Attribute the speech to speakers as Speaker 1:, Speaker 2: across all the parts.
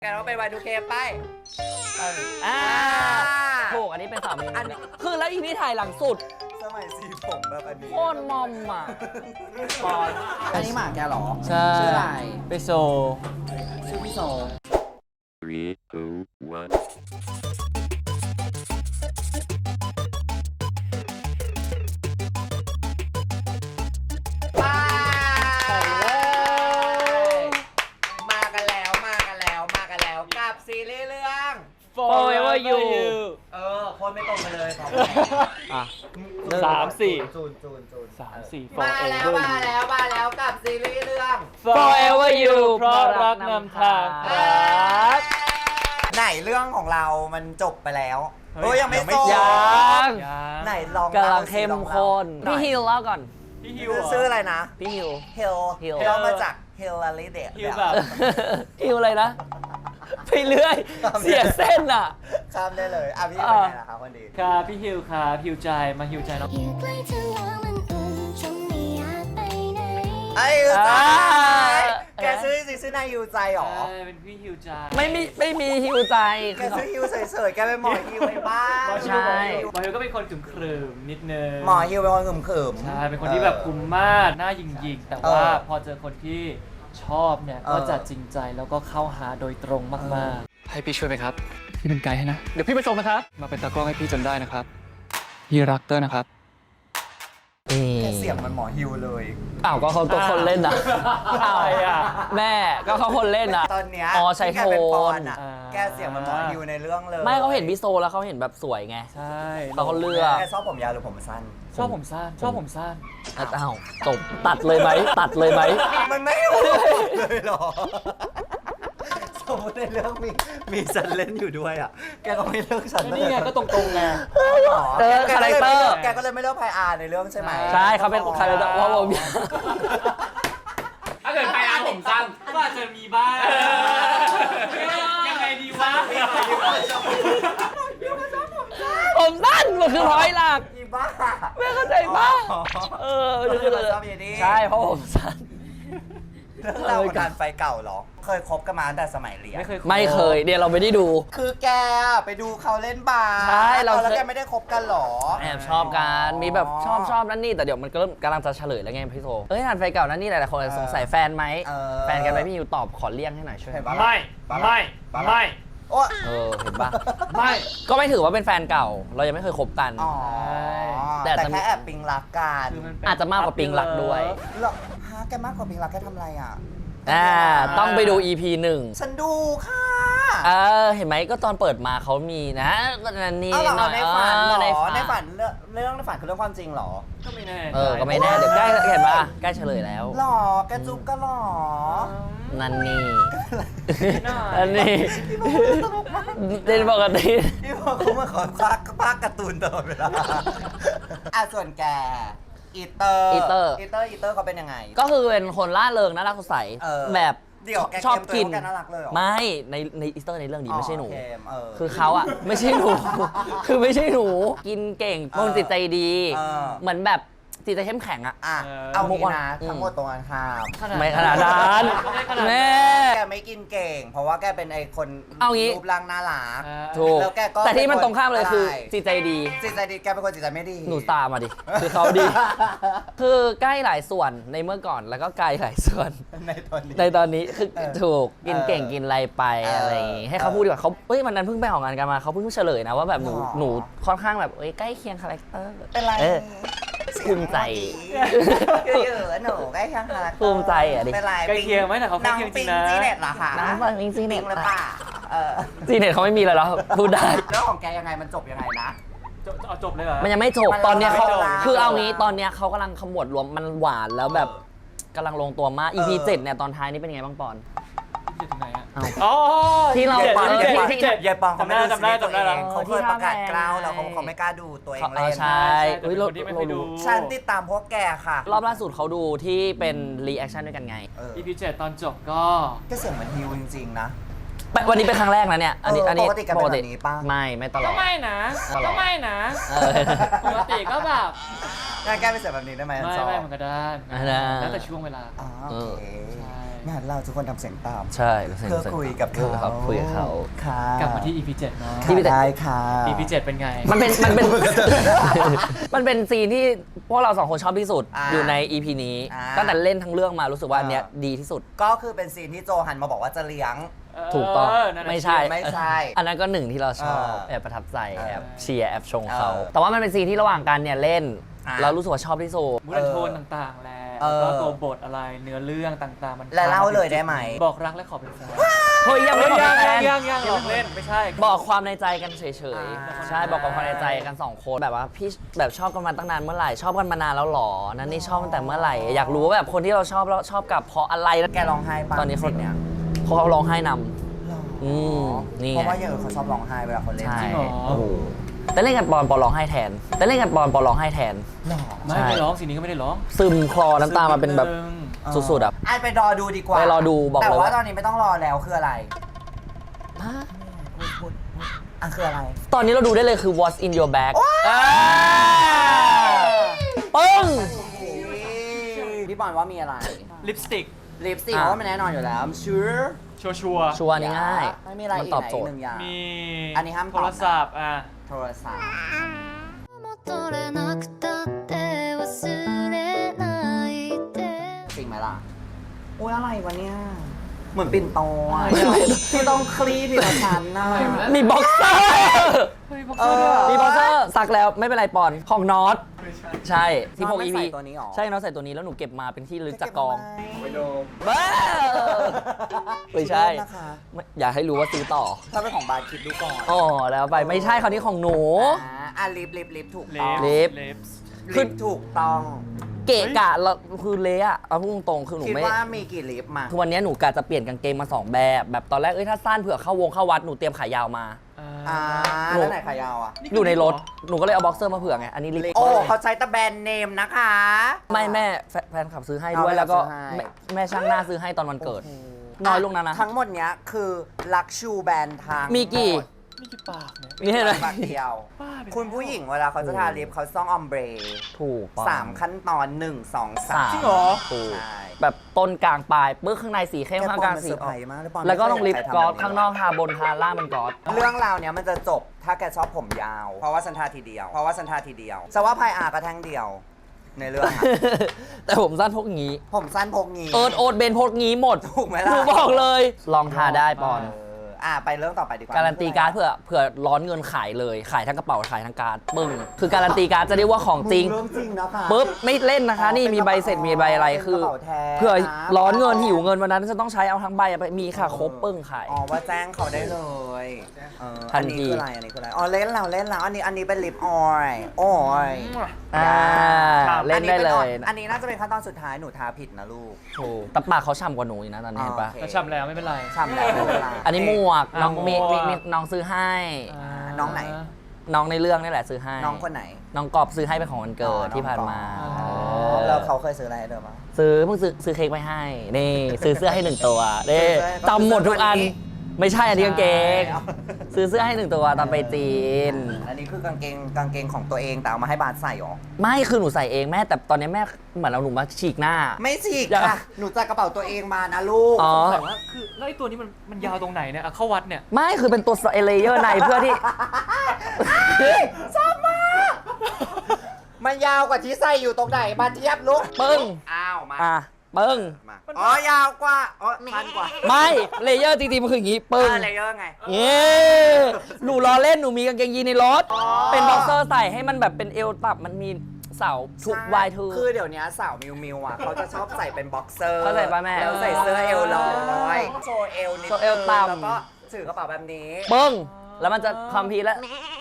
Speaker 1: กันว่าเป็น Y2K ไป
Speaker 2: ถูกอันนี้เป็นสามีอันนี้คือแล้วอีนี่ถ่ายหลังสุด
Speaker 1: สมัยสีผมแบบอันนี้
Speaker 2: โคตรมอมอ่ะ
Speaker 1: ปอนอันนี้หมาแกหรอ
Speaker 2: ใช่
Speaker 1: ชื่ออะไร
Speaker 2: ไปโซ
Speaker 1: ชื่อพี่โซ
Speaker 3: 3, 2, 1
Speaker 1: กับซีรีส์เรื่อง
Speaker 2: Forever You
Speaker 1: คนไม่ตรงไปเลยครับ
Speaker 2: มา
Speaker 1: แล้วกับซีรีส์เรื่อง
Speaker 2: Forever You เพราะรักนำทาง
Speaker 1: ไหนเรื่องของเรามันจบไปแล้วยังไม่จบไหนลอง
Speaker 2: กำลังเข้มข้นพี่ฮิลเล่าก่อน
Speaker 1: พี่ฮิวชื่ออะไรนะ
Speaker 2: พี่ฮิล
Speaker 1: เรามาจากฮิลลารีเดต
Speaker 2: ฮิลอะไรนะไปเรื่อยเสียเส้นอ่ะ
Speaker 1: ข้ามได้เลยพี่เป็นไงล่ะครับคนดี
Speaker 4: ค่ะพี่ฮิวค่ะฮิวใจมาฮิวใจน้อง
Speaker 1: ไอ้ฮิวใจแกซื้อนายฮิวใจหรอ
Speaker 4: เป็นพี่ฮิวใจ
Speaker 2: ไม่มีฮิวใจ
Speaker 1: แกซื้อฮิวเฉยๆแกเป็นหมอฮิวไปบ้าง
Speaker 2: ใช่
Speaker 4: หมอฮิวก็เป็นคนขรึมนิดนึง
Speaker 1: หมอฮิวเป็นคนขรึม
Speaker 4: ใช่เป็นคนที่แบบคุมมากหน้ายิงแต่ว่าพอเจอคนที่ชอบเนี่ยก็จะจริงใจแล้วก็เข้าหาโดยตรงมาก
Speaker 5: ๆให้พี่ช่วยไหมครับพี่เป็นไกด์ให้นะเดี๋ยวพี่ไปส่งนะครับมาเป็นตากล้องให้พี่จนได้นะครับพี่รักเตอร์นะครับ
Speaker 1: แกเสียงมันหมอฮิวเลย
Speaker 2: ก็เขาตัวคนเล่นนะแม่ก็เขาคนเล่นนะ
Speaker 1: ตอนเนี้ย
Speaker 2: ใช้โทน
Speaker 1: แกเสียงมันหมอฮิวในเรื่องเลย
Speaker 2: ไม่เขาเห็นพี่โซแล้วเขาเห็นแบบสวยไง
Speaker 4: ใช่
Speaker 2: เขาเลือก
Speaker 1: แกชอบผมยาวหรือผมสั้น
Speaker 4: ชอบผมสั้น
Speaker 2: จบตัดเลยไหม
Speaker 1: มันไม่รู้เลยหรอสมมติในเรื่องมีฉันเล่นอยู่ด้วยแกก็ไม่เลือกฉัน
Speaker 4: นี่ไงก็ตรงๆไง
Speaker 2: คาแรคเตอร์
Speaker 1: แกก็เลยไม่เลือกไพอาร์ในเรื่องใช่ไหม
Speaker 2: ใช่เขาเป็นคาแรคเตอร์ว่าผม
Speaker 4: ถ้าเกิดไพอาร์ผมสั้นก็อาจจะมีบ้างยังไงดีวะ
Speaker 2: ผมสั้นมันคือร้อยหลัก
Speaker 1: บ้า
Speaker 2: ไม่เข้าใจบ้าใช่เพราะผมสั้น
Speaker 1: เรื่องราวของการไฟเก่าเหรอเคยคบกันมาตั้งแต่สมัยเรียน
Speaker 2: ไม่เคยเดี๋ยวเราไม่ได้ดู
Speaker 1: คือแกไปดูเขาเล่นบาส
Speaker 2: ใช่
Speaker 1: แล้วแกไม่ได้คบกันหรอ
Speaker 2: แอบชอบกันมีแบบชอบนั่นนี่แต่เดี๋ยวมันก็เริ่มกำลังจะเฉลยแล้วไงพี่โซงานไฟเก่านั่นนี่หลายๆคนสงสัยแฟนไหมแฟนกันไหมพี่ยูตอบขอเลี่ยงให้หน่อยช่วย
Speaker 4: ไม่
Speaker 2: เห็นปะไม่ก็ไม่ถือว่าเป็นแฟนเก่าเรายังไม่เคยคบกัน
Speaker 1: แต่แค่แอบปิงรักกัน
Speaker 2: อาจจะมากกว่าปิงรักด้วย
Speaker 1: หรอแกมากกว่าปิงรักแกทำอะไร
Speaker 2: ต้องไปดู EP 1
Speaker 1: ฉันดูค่ะ
Speaker 2: เห็นไหมก็ตอนเปิดมาเขามีนะนั่นนี่
Speaker 1: หน่อยในฝันเรื่องในฝันคือเรื่องความจริงหรอ
Speaker 4: ก็ไม่แน่
Speaker 2: ก็ไม่แน่เดี๋ยวใกล้เห็นปะใกล้เฉลยแล้ว
Speaker 1: หรอแกจุ๊บก็หรอ
Speaker 2: นั่นนี่เป็นปกติ
Speaker 1: พี่บอกเขามาขอภาคการ์ตูนตลอดเวลาส่วนแกอีเตอร์เขาเป็นยังไง
Speaker 2: ก็คือเป็นคนล่าเริงน่ารักสดใสแบบชอบกินไม่ในอีสเตอร์ในเรื่องนี้ไม่ใช่หนูคือเขาไม่ใช่หนูคือไม่ใช่หนูกินเก่งคนจิตใจดีเหมือนแบบจิตใจเข้มแข็ง
Speaker 1: เอางี้นะทั้งหมดตรงกันข้าม
Speaker 2: ไม่ขนาดนั้นแม่
Speaker 1: แกไม่กินเก่งเพราะว่าแกเป็นไอคนรูปร่างน่ารัก
Speaker 2: ถูกแต่ที่มันตรงข้ามเลยคือจิตใจดี
Speaker 1: แกเป็นคนจิตใจไม่ดี
Speaker 2: หนูตามมาดิคือเขาดีคือใกล้หลายส่วนในเมื่อก่อนแล้วก็ไกลหลายส่วนในตอนนี้คือถูกกินเก่งกินอะไรไปอะไรอย่างงี้ให้เขาพูดดีกว่าเขามันนั้นเพิ่งไปออกงานกันมาเขาเพิ่งเฉลยนะว่าแบบหนูค่อนข้างแบบใกล้เคียงคาแรคเตอร์
Speaker 1: เป็นไร
Speaker 2: ภูมิใจ
Speaker 1: หนูใกล้เคียงคาแรคเตอร์
Speaker 2: ภูมิใจดิ
Speaker 4: ใกล้เคียงไหมแต่เขาใกล้เคียงจริงนะ
Speaker 1: จีเน็ตเหรอคะ
Speaker 2: น้องปิงจีเน็ต
Speaker 1: หรือเปล่า
Speaker 2: จีเน็ตเขาไม่มีแล้วพูดได้
Speaker 1: แล้วของแกยังไงมันจบยังไงนะ
Speaker 4: จบเลยเหรอ
Speaker 2: มันยังไม่จบตอนเนี้ยเขาคือเอางี้ตอนเนี้ยเขากำลังขมวดรวมมันหวานแล้วแบบกำลังลงตัวมาก EP 7เนี่ยตอนท้ายนี่เป็นไงบ้างปอนที่เรา
Speaker 1: ยายปองเขาไม่จำได้แล้วเขาเคยประกาศกล้าวแล้วเขาไม่กล้าดูตัวเองเล่น
Speaker 2: ใช่
Speaker 1: ฉันติดตามพวกแกค่ะ
Speaker 2: รอบล่าสุดเขาดูที่เป็นรีแอคชั่นด้วยกันไง
Speaker 4: EP 7ตอนจบก็
Speaker 1: เสียงเหมือนฮิวจริงๆนะ
Speaker 2: วันนี้เป็นครั้งแรกนะเนี่ยอันนี้
Speaker 1: ปกติกันแบบนี้ป่ะ
Speaker 2: ไม่ตลอด
Speaker 4: ก็ไม่นะปกติก็แบบ
Speaker 1: แก้ไปเสียงแบบนี้ได้ไหม
Speaker 4: ไม่มันก็ได้แล้วแต่ช่วงเวลา
Speaker 1: โอเคงั้นเราทุกคนทำเสียงตาม
Speaker 2: ใช่
Speaker 1: เพื่อคุยกับเขา
Speaker 2: ครับคุยกับเขา
Speaker 1: ค่ะ
Speaker 4: กลับมาที่ EP 7เนาะ
Speaker 1: ค่ะได้ค่ะ
Speaker 4: EP 7เป็นไง
Speaker 2: มันเป็น มันเป็นซีนที่พวกเราสองคนชอบที่สุด
Speaker 1: อ่า
Speaker 2: อยู่ใน EP นี้
Speaker 1: อ่า
Speaker 2: ตั้งแต่เล่นทั้งเรื่องมารู้สึกว่าอันเนี้ยดีที่สุด
Speaker 1: ก็คือเป็นซีนที่โจหันมาบอกว่าจะเลี้ยง
Speaker 2: ถูกต้อง
Speaker 4: นั่นน่ะ
Speaker 2: ไม่ใช่
Speaker 1: ไม่ใช่
Speaker 2: อันนั้นก็หนึ่งที่เราชอบ
Speaker 1: เออ
Speaker 2: แอบประทับใจ
Speaker 1: เออ
Speaker 2: แอบเชียร์แอบชงเขา
Speaker 1: เออ
Speaker 2: แต่ว่ามันเป็นซีนที่ระหว่างกันเนี่ยเล่น
Speaker 1: อ่ะ
Speaker 2: เรารู้สึกว่าชอบที่สุด
Speaker 4: มูดโทนต่างๆ แหละ
Speaker 1: เออ
Speaker 4: แล้วก็ตัวบทอะไรเนื้อเรื่องต่างๆ มัน
Speaker 1: และเล่าเลยได้ไหม
Speaker 4: บอกรักและขอเป็นแฟน
Speaker 2: เฮ้ยยังไม่ขอเป็นแฟน
Speaker 4: ยังหลอกเล่นไม่ใช่
Speaker 2: บอกความในใจกันเฉย
Speaker 1: อ่า
Speaker 2: ๆ ใช่บอกความในใจกันสองคนแบบว่าพี่แบบชอบกันมาตั้งนานเมื่อไหร่ชอบกันมานานแล้วหรอนั่นนี่ชอบตั้งแต่เมื่อไหร่อยากรู้ว่าแบบคนที่เราชอบแล้วชอบกับเพราะอะไรแล้ว
Speaker 1: แกร้องไห้ปะ
Speaker 2: ตอนนี้คน
Speaker 1: เนี้ย
Speaker 2: เขาร้องไห้นำ อืมนี่ไง
Speaker 1: เพราะว่าอย่างอื่นเขาชอบร้องไห้เวลาคนเล่น
Speaker 2: ใช่
Speaker 4: จริงเหรอ
Speaker 2: โอ้โหแต่เล่นกันปอนร้องไห้แทนแต่เล่นกันปอนร้องไห้แทน
Speaker 1: หรอ
Speaker 4: ไม่
Speaker 2: ใช่
Speaker 4: ได้ร้องสิ่งนี้ก็ไม่ได้ร้อง
Speaker 2: ซึมคลอน้ำตามาเป็นแบบ
Speaker 4: ซึ่ง
Speaker 2: สุดๆอ่ะ
Speaker 1: ไอไปรอดูดีกว่า
Speaker 2: ไปรอดูบอกเลย
Speaker 1: แต่ว่า
Speaker 2: ว่า
Speaker 1: ตอนนี้ไม่ต้องรอแล้วคืออะไรพูดอ่ะคืออะไร
Speaker 2: ตอนนี้เราดูได้เลยคือ What's in your bag ปึ้ง
Speaker 1: พี่บอลว่ามีอะไร
Speaker 4: ลิปสติก
Speaker 1: ลิปสติก
Speaker 2: อ่ะ
Speaker 1: เพราะว่ามันแน่นอนอยู่แล้ว I'm sure
Speaker 4: ชัวร์
Speaker 2: ชัวร์นี่ง่าย
Speaker 1: ไม่มีอะไร
Speaker 2: มัน
Speaker 1: อีก
Speaker 2: ตอบ
Speaker 1: ไหน
Speaker 2: โจทย์
Speaker 1: หนึ่งอย่าง
Speaker 4: ๆมี
Speaker 1: อันนี้ห้ามตอบนะ
Speaker 4: โทรศัพท์อ่ะ
Speaker 1: โทรศัพท์
Speaker 6: 戻れなくたって忘れないで
Speaker 1: จริงไหมล่ะโอ้ยอะไรวะเนี่ย เหมือนปิ่นโตอ่ะที่ต้องคลี่ทีละชั้นนะ
Speaker 2: มีบ็อกเซอร์
Speaker 4: เฮ้ยบอก
Speaker 1: เอ
Speaker 4: เสื้อ
Speaker 1: อ
Speaker 2: มีบ็อกเซอร์สักแล้วไม่เป็นไรปอนของน็อตใช่ที่พก
Speaker 1: น็อต
Speaker 2: EP
Speaker 1: ไม่ใส่ตัวนี้หรอ
Speaker 2: ใช่น็อตใส่ตัวนี้แล้วหนูเก็บมาเป็นที่ระลึกจากกอง
Speaker 1: ไปโดม
Speaker 2: บ้าไม่ใช่
Speaker 1: นะคะ
Speaker 2: ไม่อยากให้รู้ว่าซื้อต่อ
Speaker 1: ถ้าเป็นของบาร์คิดดูก่อน
Speaker 2: อ๋อแล้วไปไม่ใช่คราวนี้ของหนู
Speaker 1: อ่ะลิปถูก
Speaker 4: ลิ
Speaker 1: ต้อง
Speaker 4: ป
Speaker 2: ลิป
Speaker 4: ลิป
Speaker 1: ลิปถูกต้อง
Speaker 2: เกะกะแล้วคือเละอะเอาพูดตรงๆคือหนู
Speaker 1: คิด
Speaker 2: ไม่
Speaker 1: ว่ามีกี่ลิปมา
Speaker 2: คือวันนี้หนูกะจะเปลี่ยนกางเกงมาสองแบบตอนแรกถ้าสั้นเผื่อเข้าวงเข้าวัดหนูเตรียมขายาวมา
Speaker 1: อ่า
Speaker 2: หนู
Speaker 1: แล้วไหนขายาวอ่ะ
Speaker 2: อยู่ในรถหนูก็เลยเอาบ็อกเซอร์มาเผื่อไงอันนี้ลิป
Speaker 1: โอ้เขาใช้แต่แบรนด์เนมนะคะ
Speaker 2: ไม่แม่แฟนคลับซื้อให้
Speaker 1: เอา
Speaker 2: ด้วยแล้วก็
Speaker 1: ซื้อให้
Speaker 2: แม่ช่างหน้าซื้อให้ตอนวันเกิด น้อยลงนะ
Speaker 1: ทั้งหมดเนี้ยคือลักชูแบรนด์ทาง
Speaker 2: มีกี่
Speaker 4: นี่กี่ปากเนี่ย
Speaker 2: นี่เห็นไหม
Speaker 1: ปากเดียว
Speaker 4: บ้าไปแล้ว
Speaker 1: คุณผู้หญิงเวลาเขาจะทาลิปเขาต้องออมเบร
Speaker 2: ถูก
Speaker 1: 3 ขั้นตอน 1 2
Speaker 2: สาม
Speaker 1: 3
Speaker 4: จริงเหรอ
Speaker 2: ถูก
Speaker 1: ใช่
Speaker 2: แบบต้นกลางปลายปึ๊กข้างในสีเข้มข้างกลางสี
Speaker 1: เซอร์ไพรส์มากเลยปอน
Speaker 2: แล้วก็ต้องลิป
Speaker 1: ไม่เคย
Speaker 2: กลอส
Speaker 1: ใครทำแบบนี้
Speaker 2: ข้างนอกทาบนทาล่างเป็นกลอส
Speaker 1: เรื่องราวเนี้ยมันจะจบถ้าแกชอบผมยาว เพราะว่าฉันทาทีเดียวสว่าพายอาก็แท่งเดียว ในเรื่องอะ
Speaker 2: แต่ผมสั้นพวกงี้
Speaker 1: ผมสั้นพกงี้
Speaker 2: โอ๊ตเบนพกงี้หมด
Speaker 1: ถูกไหม
Speaker 2: ห
Speaker 1: ล่ะ
Speaker 2: นูบอกเลย ลองทาได้ปอน
Speaker 1: ไปเรื่องต่อไปดีกว่า
Speaker 2: การันตีการ์ดเผื่อร้อนเงินขายเลย ขายทั้งกระเป๋าขายทั้งการ์ดปึ้งคือการันตีการ์ดจะเรียกว่าของจริง
Speaker 1: เรื่องจริงนะคะ
Speaker 2: ปุ๊บไม่เล่นนะคะ นี่มีใบเสร็จมีใบอะไร
Speaker 1: เป็น
Speaker 2: คื
Speaker 1: ก
Speaker 2: อ
Speaker 1: ระเป๋าแท้
Speaker 2: เผื่อ
Speaker 1: นะ
Speaker 2: ร้อนเงินหิวเงินวันนั้นจะต้องใช้เอาทั้งใบไปมีค่ะครบปึ้งขาย
Speaker 1: อ๋อว่าแจ้งเขาได้เลย
Speaker 2: ทัน
Speaker 1: อันนี้
Speaker 2: ที
Speaker 1: คืออะไรอ๋อเล่นแล้วอันนี้เป็นลิปออยโอ้ย
Speaker 2: เล่นได้เลย
Speaker 1: อันนี้น่าจะเป็นขั้นตอนสุดท้ายหนูทาผิดนะลูก
Speaker 2: ถูกแต่ปากเขาฉ่ำกว่าหนูอีกนะตอนนี้เห็นปะ
Speaker 1: โอเค
Speaker 4: แต่ฉ่ำแล้วไม่เป็นไร
Speaker 1: ฉ่ำแล้วไม่เป็นไร
Speaker 2: อันนี้หมวกน้อง
Speaker 4: หมวก
Speaker 2: มีน้องซื้อให้
Speaker 1: น้องไหน
Speaker 2: น้องในเรื่องนี่แหละซื้อให้
Speaker 1: น้องคนไหน
Speaker 2: น้องกอบซื้อให้เป็นของวันเกิดที่ผ่านมา
Speaker 1: อ๋อ
Speaker 2: เออ
Speaker 1: แล้วเขาเคยซื้ออะไรให้เธอปะ
Speaker 2: เพิ่งซื้อเค้กไปให้นี่ซื้อเสื้อให้หนึ่งตัวนี่
Speaker 1: ซื้อเสื้อ
Speaker 2: จำหมดทุกอัน
Speaker 1: วันนี้
Speaker 2: ไม่ใช่อันนี้กางเกง
Speaker 1: ใช่
Speaker 2: ซื้อเสื้อให้หนึ่งตัวตอนไปจีน
Speaker 1: อันนี้คือกางเกงของตัวเองแต่เอามาให้บาสใส่หรอ
Speaker 2: ไม่คือหนูใส่เองแม่แต่ตอนนี้แม่เหมือนเอาหนูมาฉีกหน้า
Speaker 1: ไม่ฉีก
Speaker 2: อย่า
Speaker 1: ค่ะ หนูจัดกระเป๋าตัวเองมานะลูก
Speaker 2: อ๋อ
Speaker 4: แต่ว่าคือแล้วไอ้ตัวนี้มันยาวตรงไหนเนี่ยอ่ะเข้าวัดเนี่ย
Speaker 2: ไม่คือเป็นตัวเลเยอร์ในเพื่อที่
Speaker 1: ชอบมาก มันยาวกว่าที่ใส่อยู่ตรงไหน มาเทียบลูก
Speaker 2: ปึ้ง
Speaker 1: อ้าวมา
Speaker 2: อ่ะปึ้ง
Speaker 1: มาอ๋อยาวกว่าอ๋อสั้นกว่า
Speaker 2: ไม่เลเยอร์จริงๆมันคืออย่างงี้ปึ้ง
Speaker 1: อะไรเยอะไง
Speaker 2: เย้หนูล้อเล่นหนูมีกางเกงยีนในรถ
Speaker 1: อ๋อ
Speaker 2: เป็นบ็อกเซอร์ใส่ให้มันแบบเป็นเอวตับมันมีเสาทุกวายทู
Speaker 1: คือเดี๋ยวนี้สาวมิวอ่ะ เขาจะชอบใส่เป็นบ็อกเซอร์
Speaker 2: เข้าใจปะแม่
Speaker 1: แล้วใส่เสื้อเอวลอยโชว์เอวนิด
Speaker 2: โชว์เอวต่ำ
Speaker 1: แล้วก็ถือกระเป๋าแบบนี้
Speaker 2: ปึ้ง แล้วมันจะคอมพีทแล้ว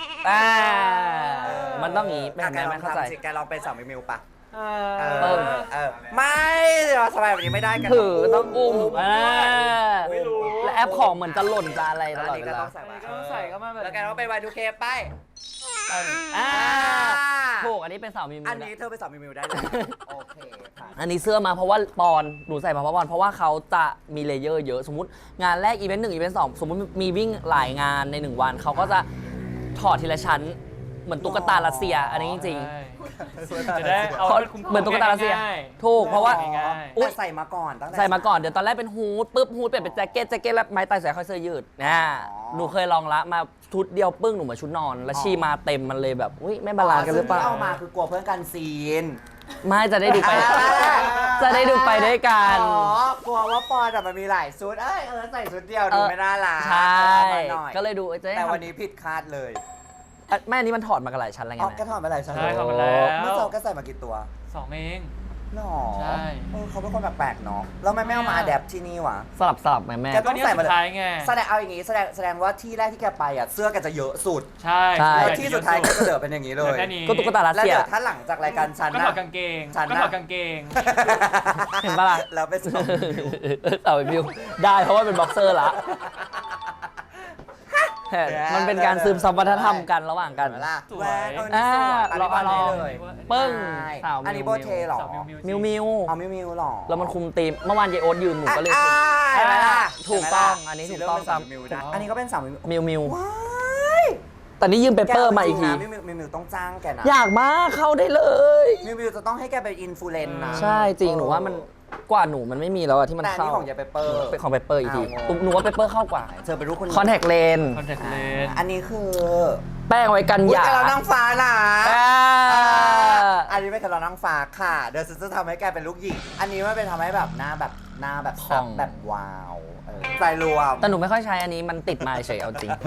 Speaker 2: มันต้องอย่างงี้เป็น
Speaker 1: อ่ะ
Speaker 2: ไง
Speaker 1: แกล
Speaker 2: ไม่
Speaker 1: อง
Speaker 2: เข้าใจ
Speaker 1: ทำสิแกลองเป็นสาวมิวปะ
Speaker 2: เออ
Speaker 1: ไม่เราสบายแบบนี้ไม่ได้กัน
Speaker 2: ถือต้องอุ้ม
Speaker 4: ไม่รู้
Speaker 2: และแอปของเหมือนจะหล่นจะอะไรตลอด
Speaker 1: นนี้
Speaker 2: เว
Speaker 1: ก็
Speaker 2: ลา
Speaker 1: ต้องใส่
Speaker 4: อันนี้ก็ต้องใส่เข้ามาแบบ
Speaker 1: แล้วแกต้องเป็น Y2K ไป
Speaker 2: อ่าถูกอันนี้เป็นสาวมีมื
Speaker 1: อั
Speaker 2: อน
Speaker 1: นี้เธอเป็นสาวมิวได้เลย โอเคค่ะ
Speaker 2: อันนี้เสื้อมาเพราะว่าปอนหนูใส่มาเพราะปอนเพราะว่าเขาจะมีเลเยอร์เยอะสมมติงานแรกอีเวนต์หนึ่งอีเวนต์สองสมมติมีวิ่งหลายงานใน1 วันเขาก็จะถอดทีละชั้นเหมือนตุ๊กตารัสเซียอันนี้จริงๆ
Speaker 4: จะได้เอา
Speaker 2: เพราะ
Speaker 4: ให้คุ้ม
Speaker 2: เหมือนตุ๊กตารัสเซีย
Speaker 4: ง่าย
Speaker 2: ถูกเพราะว่า
Speaker 4: ง่าย
Speaker 2: อุ๊
Speaker 1: แต่
Speaker 2: ย
Speaker 1: ใส่มาก่อนตั้งแต่
Speaker 2: ใส่มาก่อนเดี๋ยวตอนแรกเป็นฮูดปุ๊บฮูดเปลี่ยนเป็นแจ็คเก็ตแล้วไม้ตายใส่ค่อยเสื้อยืดหนูเคยลองละมาชุดเดียวปึ้งหนูเหมือนชุดนอน แล้วชีมาเต็มมันเลยแบบอุ้ยไม่บาลานซ์กันหรือเปล่า
Speaker 1: ซึ่งที่เอามาคือกลัวเพื่อนกันซีน
Speaker 2: ไม่จะได้ดูไปจะได้ดูไปด้วยกัน
Speaker 1: อ๋อกลัวว่าปอนแต่มันมีหลายชุดใส่ชุดเดียวดูไม่น่ารัก
Speaker 2: ใช่
Speaker 1: เอามาหน่อย
Speaker 2: ก็เลยดูจะได้
Speaker 1: แต่
Speaker 2: ทำ
Speaker 1: วันนี้ผิดคาดเลย
Speaker 2: แม่อันนี้มันถอดมากันหลายชั้นแล้วไง
Speaker 1: อ๋อ
Speaker 2: แม่
Speaker 1: ก็ถอดมาหลายชั้น
Speaker 4: ใช่ถอดมาแล้ว
Speaker 1: เมื่อสองก็ใส่มากี่ตัว
Speaker 4: 2 เอง
Speaker 1: หรอ
Speaker 4: ใช่
Speaker 1: เขาเป็นคนแปลกๆเนาะแล้วไม่เอามาอะแดปที่นี่วะ
Speaker 2: สลับไหมแม่
Speaker 1: แก
Speaker 4: ก็เนี่ยสุดท้ายไง
Speaker 1: แสดงเอาอย่างงี้แสดงว่าที่แรกที่แกไปอ่ะเสื้อแกจะเยอะสุด
Speaker 4: ใช่
Speaker 2: ใช่
Speaker 1: แล้วที่สุดท้ายก็จะเหลือเป็นอย่างนี้เล
Speaker 4: เหลือย แค่นี้
Speaker 2: ก็ตุ๊กตารัส
Speaker 1: แล้ว
Speaker 2: เซีย
Speaker 1: เดี๋ยวถ้าหลังจากรายการฉัน
Speaker 4: ก็ถ
Speaker 1: นะ
Speaker 4: อดกางเกง
Speaker 1: ฉัน
Speaker 4: ก็
Speaker 1: นะ
Speaker 4: ถอดกางเกง
Speaker 2: เห็นปะล่ะ
Speaker 1: แล้วไปส่ง
Speaker 2: เอาไปบิวได้เพราะว่าเป็นบ็อกเซอร์ละมันเป็นการซึมซับวัฒนธรรมกันระหว่างกัน
Speaker 1: เห็นไหมล่ะ
Speaker 4: สวย
Speaker 1: แหวนนี่สวยอันนี้บอลให้เลย
Speaker 2: ปึ้ง
Speaker 1: ใช่
Speaker 2: สาว
Speaker 1: อันนี้โบเทเหรอ
Speaker 4: สาว
Speaker 2: มิวมิว
Speaker 1: เอามิวหรอ
Speaker 2: แล้วมันคุมธีมเมื่อวานเยโอ๊ตยืมหนูก็เลย
Speaker 1: เห็นไหมล่ะ
Speaker 2: ถูกต้องอันนี้ถูกต้อง
Speaker 1: สีเริ่มเป็นสาวมิวนะอันนี้ก็เป็นสาวมิว
Speaker 2: มิวมิว
Speaker 1: ว้าย
Speaker 2: แต่นี่ยืมเปเปอร์มาอีกที
Speaker 1: มิวต้องจ้างแกนะ
Speaker 2: อยากมากเข้าได้เลย
Speaker 1: มิวจะต้องให้แกเป็นอินฟลูเอนซ์นะ
Speaker 2: ใช่จริงหนูว่ามันกว่าหนูมันไม่มีแล้วอะที่มัน
Speaker 1: แต่อัน
Speaker 2: เข้า
Speaker 1: นี้ของยายเปเปอร์
Speaker 2: เป็นของเปเปอร์อีกที
Speaker 1: อ้าว
Speaker 2: หนูว่าเปเปอร์เข้ากว่า
Speaker 1: เธอเป็นลูกคน
Speaker 2: คอนแทคเลน
Speaker 4: คอนแทคเลนส์
Speaker 1: อันนี้คือ
Speaker 2: แป้งไว้กัน
Speaker 1: อุ๊
Speaker 2: ห
Speaker 1: ย
Speaker 2: ยา
Speaker 1: แต่เรานั่งฟ้านะ
Speaker 2: อ่า
Speaker 1: อันนี้ไม่ใช่เรานั่งฟ้าค่ะ เดี๋ยวฉันจะทำให้แกเป็นลูกหญิงอันนี้มันเป็นทำให้แบบหน้าแบบซับแบบว้าวใส่รวม
Speaker 2: แต่หนูไม่ค่อยใช้อันนี้มันติดมาเฉยเอาจริง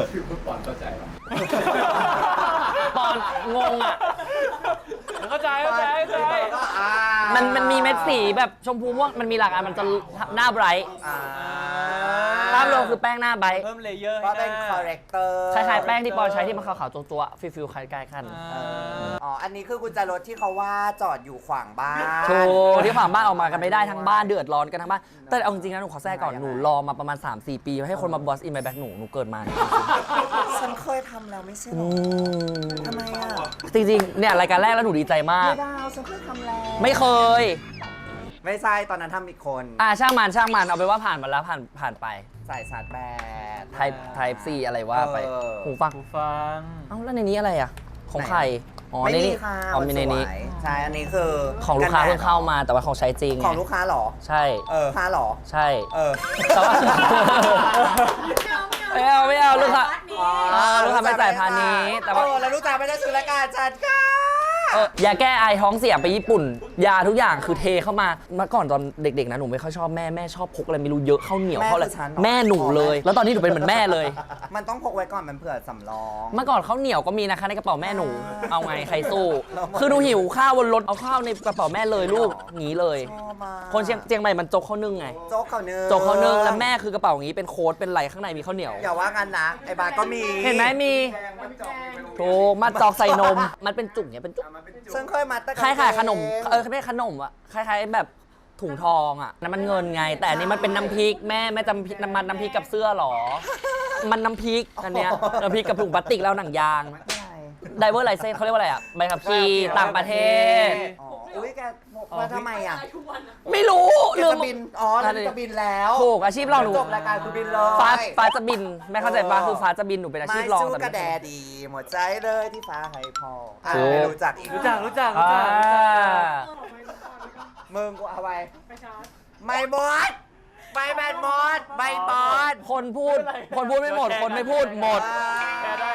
Speaker 2: ปอนงงอ่ะ
Speaker 4: เข้าใจเข้าใจเข้าใจ
Speaker 2: มันมีเม็ดสีแบบชมพูม่วงมันมีหลากอันมันจะหน้าไบรท์ ภาพรวมคือแป้งหน้าไบรท์
Speaker 4: เพิ่มเลเยอร์
Speaker 1: ก็
Speaker 4: ให้ห
Speaker 1: เป็น
Speaker 4: น้า
Speaker 1: คอเรคเตอร์
Speaker 2: คล้ายๆแป้งที่ปอนใช้ที่มันขาวๆตัวๆฟิลๆคล้ายๆกัน
Speaker 1: อ๋อ อันนี้คือกุญแจรถที่เขาว่าจอดอยู่ขวางบ้าน
Speaker 2: โชว์ที่ผ่านบ้านออกมากันไม่ได้ทั้งบ้านเดือดร้อนกันทั้งบ้านแต่เอาจริงๆนะหนูขอแทรกก่อนหนูรอมาประมาณ 3-4 ปีให้คนมาบอสอินไมแบ็กหนูเกิดมาเนี่ย
Speaker 1: ฉันเคยทำแล้วไม่ใช่หร
Speaker 2: อื
Speaker 1: อ
Speaker 2: ม
Speaker 1: ทำไมอ่ะ
Speaker 2: จริงๆเนี่ยรายการแรกแล้วหนูดีใจมาก
Speaker 1: ไม่ดาวฉันเคยทำแล้ว
Speaker 2: ไม่เคย
Speaker 1: ไม่ใช่ตอนนั้นทำอีกคน
Speaker 2: ช่างมันเอาไปนว่าผ่านมาแล้วผ่านไป
Speaker 1: ใส่ชาร์จแบต
Speaker 2: Type C อะไรว่าไป หูฟัง
Speaker 4: หูฟัง
Speaker 2: เอ้าแล้วในนี้อะไรอ่ะ ของใครอ๋อ
Speaker 1: ไม่
Speaker 2: ใน
Speaker 1: มี
Speaker 2: นี้
Speaker 1: ค่ะ
Speaker 2: อ๋อมีในนี้
Speaker 1: สวยใช่ อันนี้คือ
Speaker 2: ของลูกค้า
Speaker 1: แดด
Speaker 2: เพิ่งเข้ามาแต่ว่าของใช้จริง
Speaker 1: ของลูกค้าเหรอ
Speaker 2: ใช่
Speaker 1: ค้าเหรอ
Speaker 2: ใช่
Speaker 1: แต่
Speaker 2: ว่า ไม่เอาลูกค้า ลูกค้าไม่จ่ายพาณิชย์แต่ว่า
Speaker 1: แล้วลูกค้าไม่ได้ซื้อรายการฉันค่ะ
Speaker 2: ยาแก้ไอท้องเสียไปญี่ปุ่น ยาทุกอย่างคือเทเข้ามาเมื่อก่อนตอนเด็กๆนะหนูไม่ค่อยชอบแม่ชอบพกอะไรไม่รู้เยอะข้าวเหนียว
Speaker 1: แม่
Speaker 2: ข้าวอะไร
Speaker 1: คือฉันเหรอ
Speaker 2: แม่หนูเลย แล้วตอนนี้หนูเป็นเหมือนแม่เลย
Speaker 1: มันต้องพกไว้ก่อนมันเผื่อสำรอง
Speaker 2: เมื่อก่อนข้าวเหนียวก็มีนะคะในกระเป๋าแม่หนู เอาไงใครสู้
Speaker 1: เราหมด
Speaker 2: คือหนูหิวข้าวบนรถเอาข้าวในกระเป๋าแม่เลยลูกหนีเลย
Speaker 1: ชอบมาก
Speaker 2: คนเชียงใหม่มันจกข้าวนึ่งไง
Speaker 1: โจ๊กเขาเนื้อ
Speaker 2: จกข้าวนึ่งแล้วแม่คือกระเป๋าอย่างนี้เป็นโค้ดเป็นไหลข้างในมีข้าวเหนียว
Speaker 1: อย่าว่างั้นนะไอ้บาร์ก็มี
Speaker 2: เห็นไหมมีถูกมาจอกใส่นม มันเป็นจุกเนี่ยเป็นจุก
Speaker 1: ฉันเคยมาแต่
Speaker 2: คล้ายๆขนมไม่ใช่ขนมอะคล้ายๆแบบถุงทองอะนั่นมันเงินไง แต่อันนี้มันเป็นน้ำพริกแม่จำพริกน้ำพริกกับเสื้อหรอ มันน้ำพริกอันเนี้ยน้ำพริกกับถุงพลาสติกแล้วหนังยางไดเวอร์ไลเซนเขาเรียกว่าอะไรอะใบขับขี่ต่างประเทศ
Speaker 1: อ๋ออุ้ยแกมาทำไมอ่ะ
Speaker 2: ไม่รู้
Speaker 1: แก
Speaker 2: ลืม
Speaker 1: จะบินอ๋อแล้วจะบินแล้ว
Speaker 2: ถูกอาชีพเราหนู
Speaker 1: จบรายการคือบินเลย
Speaker 2: ฟ้าจะบินแม่เข้าใจปะคือฟ้าจะบินหนูเป็นอาชี
Speaker 1: ไม่
Speaker 2: พรอง
Speaker 1: สู้
Speaker 2: แต่
Speaker 1: กระแดดีหมดใจเลยที่ฟ้าให้พออ่ะ
Speaker 2: ถูก
Speaker 1: ไม่รู้จักอีก
Speaker 4: รู้จัก
Speaker 1: มึงกูเอาไปไม่บอสไม่แบนบอสไม่บอส
Speaker 2: คนพูดไม่หมด คนไม่พูดหมด
Speaker 4: แชร์ได้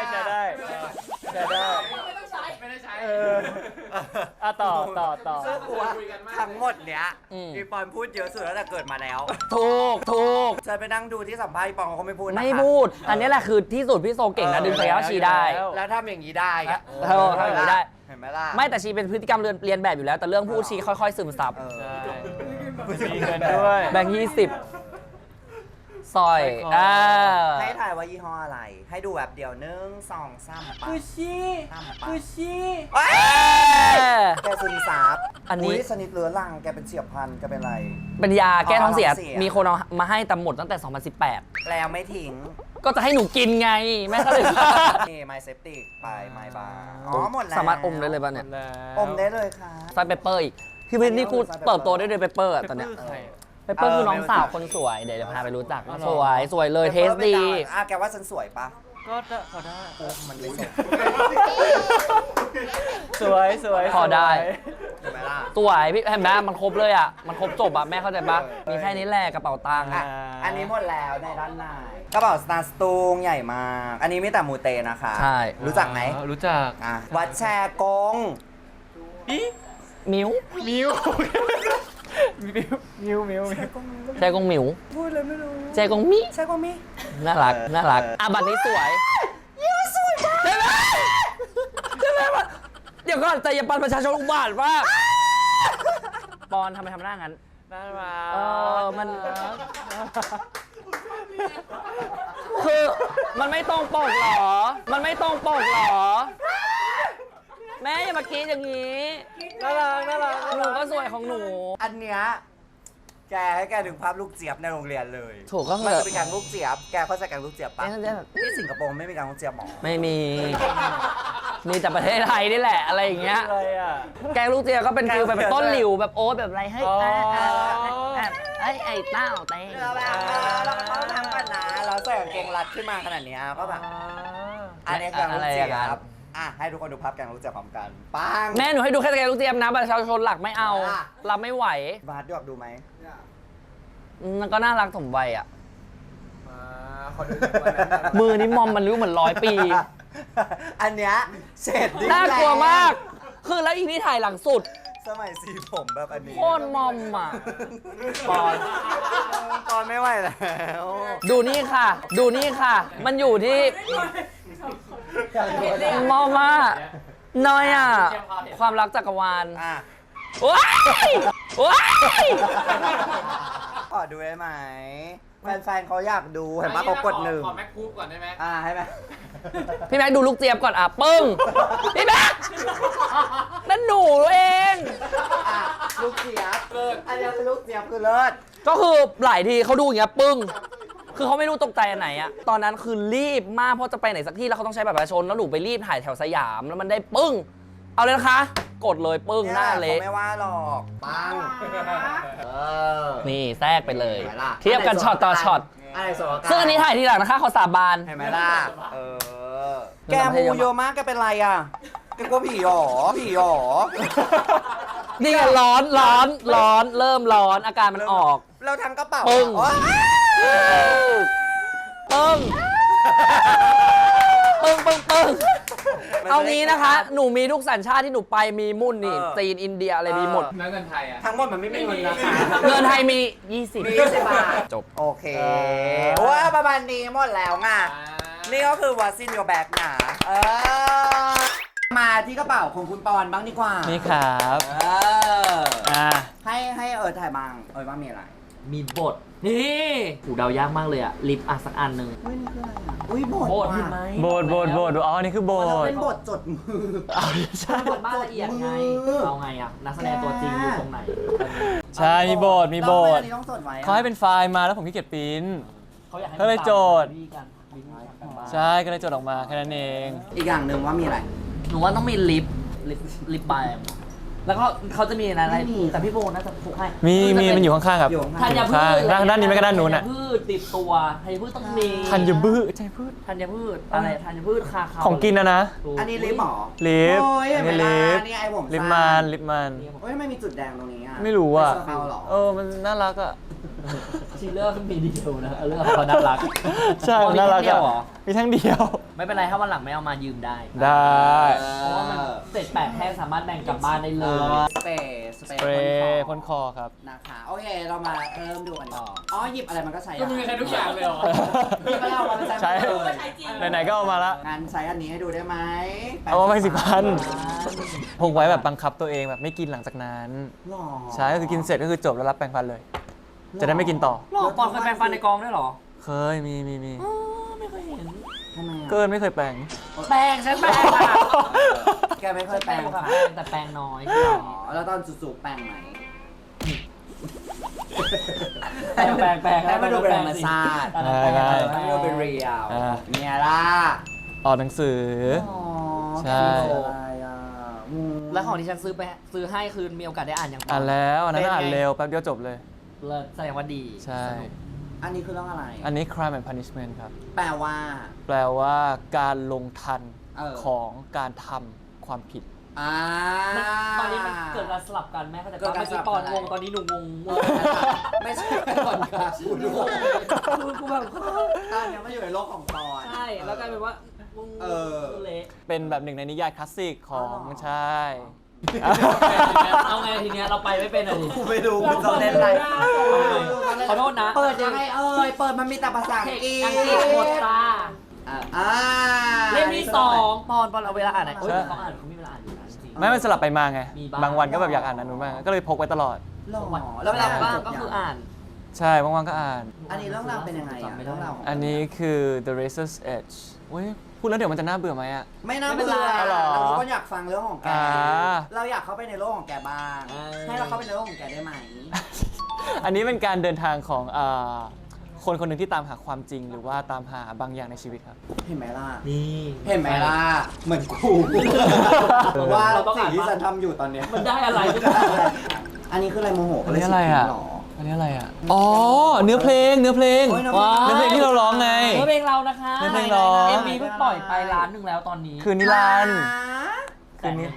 Speaker 4: ต่อ
Speaker 1: ซึ่งกูว่าทั้งหมดเนี้ย
Speaker 2: อืม
Speaker 1: อีปอนพูดเยอะสุดแล้วแต่เกิดมาแล้ว
Speaker 2: ถูก
Speaker 1: ฉันไปนั่งดูที่สัมภาษณ์อีปอนเขาก็ไม่พูดนะคะ
Speaker 2: ไม่พูด อันนี้แหละคือที่สุดพี่โซเก่งนะดึงศักยภาพชีได้
Speaker 1: แล้วทำอย่างนี้ได้อะ
Speaker 2: เออทำอย่างนี้ได้
Speaker 1: เห็นไหมล่ะ
Speaker 2: ไม่แต่ชีเป็นพฤติกรรมเรียนแบบอยู่แล้ว แต่เรื่องพูดชีค่อยๆซึมซับ
Speaker 1: เออ
Speaker 4: ใช่มีเงินด้วย
Speaker 2: แบงค์20ซอย
Speaker 4: ใส่ของ
Speaker 1: ให้ถ่ายว่ายี่ห้ออะไร ให้ดูแบบเดียว1 2 3
Speaker 4: กุชชี่
Speaker 1: เอ้ย
Speaker 2: เออ
Speaker 1: แกซึมซับ
Speaker 2: อันนี้
Speaker 1: ยสนิทเรื้อรังแกเป็นเฉียบพลันแกเป็นอะไร
Speaker 2: เป็นยาแก้ท้องเสีย
Speaker 1: ท้องเสีย
Speaker 2: มีคนเอามาให้แต่หมดตั้งแต่ 2018
Speaker 1: แล้วไม่ทิ้ง
Speaker 2: ก็จะให้หนูกินไง แม่ก็เลย
Speaker 1: นี่ไมเซปติกไปไมบาร์อ๋อหมดแล้ว
Speaker 2: สามารถอมได้เลยป่ะเนี่ย
Speaker 1: อมได้เลยค่ะ
Speaker 2: ใส่เปปเปอร์อีกคือนี่กูเติบโตได้ด้วยเปปเปอร์อะตอนเนี้ย
Speaker 4: ใคร
Speaker 2: เปปเปอร์คือน้องสาวคนสวย เดี๋ยวจะพาไปรู้จัก สวยเลยเทสดี
Speaker 1: แกว่าฉันสวยปะ
Speaker 4: ก็พอได้
Speaker 1: มันไม่สวย
Speaker 4: สวยสวย
Speaker 2: พอได้
Speaker 1: เห็นไหมล่ะ
Speaker 2: สวยพี่เห็นไหมมันครบเลยอ่ะ มันครบจบอ่ะ แม่เข้าใจปะมีแค่นี้แหละกระเป๋าตังค์
Speaker 1: อ่ะอันนี้หมดแล้วในด้านในกระเป๋าสตาร์สตูงใหญ่มาก อันนี้มีแต่มูเตนะคะ
Speaker 2: ใช่
Speaker 1: รู้จักไหม
Speaker 4: รู้จัก
Speaker 1: อ่ะวัดแชร์กง
Speaker 2: มิว
Speaker 4: มิวมิวมิว
Speaker 2: แจกงมิว
Speaker 1: พูดเลยไม่รู้
Speaker 2: แจกงมิ
Speaker 1: ใช่กงมี
Speaker 2: น่ารัก น่ารัก อ่ะบัตรนี้สวยสวยมากใช่ไหมใช่ไหมมันเดี๋ยวก่อนแต่อย่าปันประชาชนอุบาทมากปอนทำไมทำหน้างั้น
Speaker 4: น่ารัก
Speaker 2: มัน คือมันไม่ตรงปกเหรอ มันไม่ตรงปกเหรอ แม่อย่ามากรีดอย่างนี้
Speaker 4: น่ารักน่ารัก
Speaker 2: หนูก็สวยของหนู
Speaker 1: อันเนี้ยแกให้แกถึงภาพลูกเจี๊ยบในโรงเรียนเลย
Speaker 2: ถูกก็คือ
Speaker 1: มันจะเป็นแกงลูกเจี๊ยบ แกเข้าใจแกงลูกเจี๊ยบปะ
Speaker 2: เอ๊ะ
Speaker 1: ที่สิงคโปร์ไม่มีแกงลูกเจี๊ยบหรอ
Speaker 2: ไม่มี มีแต่ประเทศไทยนี่แหละ อะไรอย่างเงี้ย
Speaker 4: อะไรอ่ะ
Speaker 2: แกงลูกเจียก็เป็นฟิลแบบต้นหลิวแบบโอ๊ตแบบอะไรให้
Speaker 4: อ๋อ
Speaker 2: ไอ้เต้าเต้
Speaker 1: เราแบบเราต้องทำกันนะ เราใส่กางเกงรัดขึ้นมาขนาดเนี้ยก็แบบ อันนี้แกงลูกเจี๊ยบอ่ะให้ทุกคนดูภาพแกงลูกเจี๊ยบพร้อมกันปัง
Speaker 2: แม่หนูให้ดูแค่แกงลูกเจียนะประชาชนหลักไม่เอา
Speaker 1: อ่ะ
Speaker 2: รับไม่ไหว
Speaker 1: บาสดูไหม
Speaker 2: มันก็น่ารักสมวัยอ่ะ
Speaker 1: ขอดู
Speaker 2: มือนี้มอมมันรู้เหมือน100 ปี
Speaker 1: อันเนี้ยเสร็จ
Speaker 2: น่ากลัวมาก คือแล้วอีนี่ถ่ายหลังสุด
Speaker 1: สมัยสีผมแบบอันนี้
Speaker 2: โคตรมอมอ่ะปอน
Speaker 1: ตอนไม่ไหวแล้ว
Speaker 2: ดูนี่ค่ะ ดูนี่ค่ะ มันอยู่ที่มอมอ่ะน้อยอ่ะ ความรักจักรวาล
Speaker 1: อ่ะ
Speaker 2: ว้ายว้าย
Speaker 1: ขอดูได้ไหมแฟนๆเขาอยากดูเห็นปะเขากดหนึ่ง
Speaker 4: ขอแม็กคูปก่อนได้ไหม
Speaker 1: ให้ไหม
Speaker 2: พี่แม็กดูลูกเจี๊ยบก่อนอ่ะปึ้งพี่แม็กนั่นหนูเอง
Speaker 1: ลูกเจี๊ยบอันนี้เป็นลูกเจี๊ยบคือเลิศ
Speaker 2: ก็คือหลายทีเขาดูอย่างเงี้ยปึ้ง คือเขาไม่รู้ตกใจอันไหนอะตอนนั้นคือรีบมากเพราะจะไปไหนสักที่แล้วเขาต้องใช้บัตรประชาชนแล้วหนูไปรีบถ่ายแถวสยามแล้วมันได้ปึ้ง เอาเลยนะคะ กดเลยปึ้งหน้าเละ
Speaker 1: เขาไม่ว่าหรอกปังอ
Speaker 2: นี่แทรกไปเลย
Speaker 1: เห็นไหมล่ะ
Speaker 2: เทียบกันช็อตต่อช็อต
Speaker 1: อะไรสวย
Speaker 2: ซึ่งอันนี้ถ่ายทีหลังนะคะขอสาบาน
Speaker 1: เห็นไหมล่ะแกมูเยอะมากแกเป็นไรอ่ะแกกลัวผีหรอผีหรอ
Speaker 2: นี่ไงร้อนเริ่มร้อนอาการมันออก
Speaker 1: เราทั้งกระเป๋า
Speaker 2: ปึ้ง
Speaker 1: อ๋อ
Speaker 2: ปึ้งปึ้งเอางี้นะคะ หนูมีทุกสัญชาติที่หนูไปมีมุ่นนี่จีนอินเดียอะไรมีหมด
Speaker 4: แล้วเงินไทยอ่ะ
Speaker 1: ทั้งหมดมันไม่มีเงินนะคะ
Speaker 2: เงินไทยมี 20
Speaker 1: มี20 บาท
Speaker 2: จบ
Speaker 1: โอเคว่าประมาณนี้หมดแล้วไงนี่ก็คือ What's in your bag นะมาที่กระเป๋าของคุณปอนบ้างดีกว่า
Speaker 4: นี่ครับ
Speaker 1: ให้ถ่ายบ้างบ้างมีอะไร
Speaker 2: มีบท นี่หูเดายากมากเลยอะลิปอ่ะสักอันหนึ่ง
Speaker 1: เฮ้ยนี่คืออะไรอ่ะอุ้ยบท
Speaker 2: บท
Speaker 1: ว่ะ
Speaker 2: เห็นไหม
Speaker 4: โบดอ๋อ นี่คือโบ
Speaker 1: มัน
Speaker 4: ด
Speaker 1: เป็นบทจดมือ
Speaker 2: ใช่บทบ้านละเอียดไง
Speaker 1: มือ
Speaker 2: เอาไงอะนักแสดงตัวจริงอยู่ตรงไหน
Speaker 4: ใช่ มีโบด
Speaker 1: แล้วทำไอันนี้ต้องจดไว้อะ
Speaker 4: เขาให้เป็นไฟล์มาแล้วผมขี้เกียจปริ้น
Speaker 2: เขาอยากให้
Speaker 4: ก็เลยโจทย์
Speaker 2: วิธีการกันบ้าน
Speaker 4: ใช่ ก็เลยจดออกมาแค่นั้นเอง
Speaker 1: อีกอย่างหนึ่งว่ามีอะไร
Speaker 2: หนูว่าต้องมีลิปบาล์มแล้วก็เขาจะมีอะไรแต่พี่โบน่าจะพกให้
Speaker 4: มันอยู่ข้างๆครับ
Speaker 1: อยู่ข้าง
Speaker 2: ธัญพืช
Speaker 4: ด้านนี้ไม่ก็ด้านนู้นอ่ะ
Speaker 2: ธัญพืชติดตัวธัญพืชต้องมี
Speaker 4: ธัญพืชใช่พืช
Speaker 2: ธัญพืชอะไรธัญพืชคาเขา
Speaker 4: ของกินนะ
Speaker 2: ถูก
Speaker 1: อันนี้ลิปหรอ
Speaker 4: ลิป
Speaker 1: โอ้ยเห็นไหม
Speaker 4: นี่
Speaker 1: ล่ะ
Speaker 4: ลิป
Speaker 1: นี่ไอผม
Speaker 4: ลิป
Speaker 1: สั้
Speaker 4: มัน
Speaker 1: เฮ้ยทำไมมีจุดแดงตรงนี้อ่ะ
Speaker 4: ไม่รู้อ่ะ
Speaker 1: เป็นสเปาเหรอ
Speaker 4: มันน่ารักอ่ะ
Speaker 2: ชีเลอร์มีดีเทลนะเรื่องเขาน่ารัก
Speaker 4: ใช่มันน่ารัก
Speaker 2: เดียวเหร
Speaker 4: อ่ะ
Speaker 2: อ
Speaker 4: มีทั้งเดียว
Speaker 2: ไม่เป็นไรถ้าวันหลังไม่เอามายืมได้
Speaker 4: ได้
Speaker 2: เพราะว่ามันเศษแปดแท่งสามารถแบ่งกลับบ้านได้เลย
Speaker 1: สเปรย์
Speaker 4: สเปรย์พ่นคอครับ
Speaker 1: นะคะ โอเค เรามาเริ่มดูกันต่ออ๋อ หยิบอะไรมันก็ใช้
Speaker 4: ก็มีใช้ทุกอย่างเลยเหรอ
Speaker 1: หยิบอะไรออกมาใช้
Speaker 4: ใช้
Speaker 1: หมดเลย
Speaker 4: ไหนๆก็เอามาละ
Speaker 1: งั้นใช้อันนี้ให้ดูได้ไหม
Speaker 4: เอามาไป10,000 พกไว้แบบบังคับตัวเองแบบไม่กินหลังจากนั้น
Speaker 1: หรอ
Speaker 4: ใช่ก็คือกินเสร็จก็คือจบแล้วรับแปรงฟันเลย จะได้ไม่กินต่อ
Speaker 2: หรอปอนเคยแปรงฟันในกองด้วยเหรอ
Speaker 4: เคยมี
Speaker 2: ไม่เคยเห็น
Speaker 1: ทำไม
Speaker 4: เกินไม่เคยแปรง
Speaker 2: แปรงฉันแปรงอะ
Speaker 1: แกไม่เคยแปรง
Speaker 2: ค่ะ
Speaker 1: ค่ะ
Speaker 2: แต่แปรงน้อย
Speaker 1: อ๋อ แล้วตอนสูบๆแปรงไหม
Speaker 2: แปรง
Speaker 1: ให้มาดูเป็นธรรมชาติ
Speaker 4: ได้
Speaker 1: ให้มาดูเป็นเรียล
Speaker 4: อ่า
Speaker 1: เนี่ยล่ะ
Speaker 4: ออกหนังสือ
Speaker 1: อ๋อ
Speaker 4: ใช่
Speaker 1: อะไรอ่ะ
Speaker 2: แล้วของที่ฉันซื้อให้คือมีโอกาสได้อ่านอย่าง
Speaker 4: อ่านแล้วอันนั้นอ่านเร็วแป๊บเดียวจบเลย
Speaker 2: เลิศแสดงว่าดี
Speaker 4: ใช่
Speaker 2: สนุก
Speaker 1: อันนี้คือเรื่องอะไร
Speaker 4: อันนี้ crime and punishment ครับ
Speaker 1: แปลว่า
Speaker 4: แปลว่าการลงทัน
Speaker 1: เออ
Speaker 4: ของการทำ
Speaker 5: ความผิด
Speaker 2: ตอนนี้มันเกิดการสลับกันแม่เขาจะ
Speaker 1: เกิดการ
Speaker 2: เมื่อ
Speaker 1: สลั
Speaker 2: กี้
Speaker 1: บ
Speaker 2: ปอน
Speaker 1: กัน
Speaker 2: งงตอนนี้หนูงง
Speaker 1: ไม่ใช่ก่อนค่ะคุณดู
Speaker 2: กูแบบ
Speaker 1: ตอนนี้มันอยู่ในโลกของปอน
Speaker 2: ใช่แล้วกลายเป็นว่าเละ
Speaker 5: เป็นแบบหนึ่งในนิยายคลาสสิกของใช่
Speaker 2: เอาไงทีเนี้ยเราไปไม่เป็นเลย
Speaker 1: กูไม่ดูมึงจะเล่นอะไร
Speaker 2: ขอโทษนะ
Speaker 1: เปิดยังไงเปิดมันมีแต่ภาษาอังกฤษ
Speaker 2: อังกฤษหมดตา
Speaker 1: อ่า
Speaker 2: เล่มที่2ปอนเอาเวลาอ่านไหนเขาอ่านเขามีเวลาอ่านอยู่นะจริง
Speaker 5: ไม่มันสลับไปมาไง
Speaker 2: มีบ้าง
Speaker 5: บางวันก็แบบอยากอ่านอันนู้นบ้างก็เลยพกไว้ตลอด
Speaker 1: หรอ
Speaker 2: แล้วเวลาว่างก็คืออ่าน
Speaker 5: ใช่บางวันก็อ่าน
Speaker 1: อันนี้เรื่องราวเป็นยังไงอ่ะเรื่องราว
Speaker 5: อันนี้คือ The Razor's Edge เว้ยพูดแล้วเดี๋ยวมันจะน่าเบื่อไหมอะ
Speaker 1: ไม่น่าเบื่อ
Speaker 5: หรอ
Speaker 1: เราก็อยากฟังเรื่องของแก
Speaker 5: อ่า
Speaker 1: เราอยากเข้าไปในโลกของแกบ้าง ให้เราเข้าไปในโลกของแกได้ไหม
Speaker 5: อันนี้เป็นการเดินทางของคนคนหนึ่งที่ตามหาความจริง หรือว่าตามหาบางอย่างในชีวิตครับ
Speaker 1: เห็นไหมล่ะ
Speaker 2: นี่
Speaker 1: เห็นไหมล่ะ เหมือนกูว่า
Speaker 2: เราต้อง
Speaker 1: สิ่
Speaker 2: อ่าง น
Speaker 1: ที่
Speaker 2: ว่า
Speaker 1: ฉันทำอยู่ตอนเนี้ย
Speaker 2: มันได้อะไร
Speaker 1: อันนี้คืออะไรโมโห
Speaker 5: อันนี้อะไรอ่ะ
Speaker 1: หรอ
Speaker 5: อันนี้อะไรอ่ะ อ๋อ เนื้อเพลง
Speaker 1: โอ้ยเนื้อเพลง
Speaker 5: เนื้อเพลงที่เราร้องไง
Speaker 2: เนื้อเพลงเรานะคะ
Speaker 5: เนื้อเพลงร้อง
Speaker 2: MV เพิ่งปล่อยไปล้านหนึ่งแล้วตอนนี้
Speaker 5: คืนนิรันดร์คืนนี้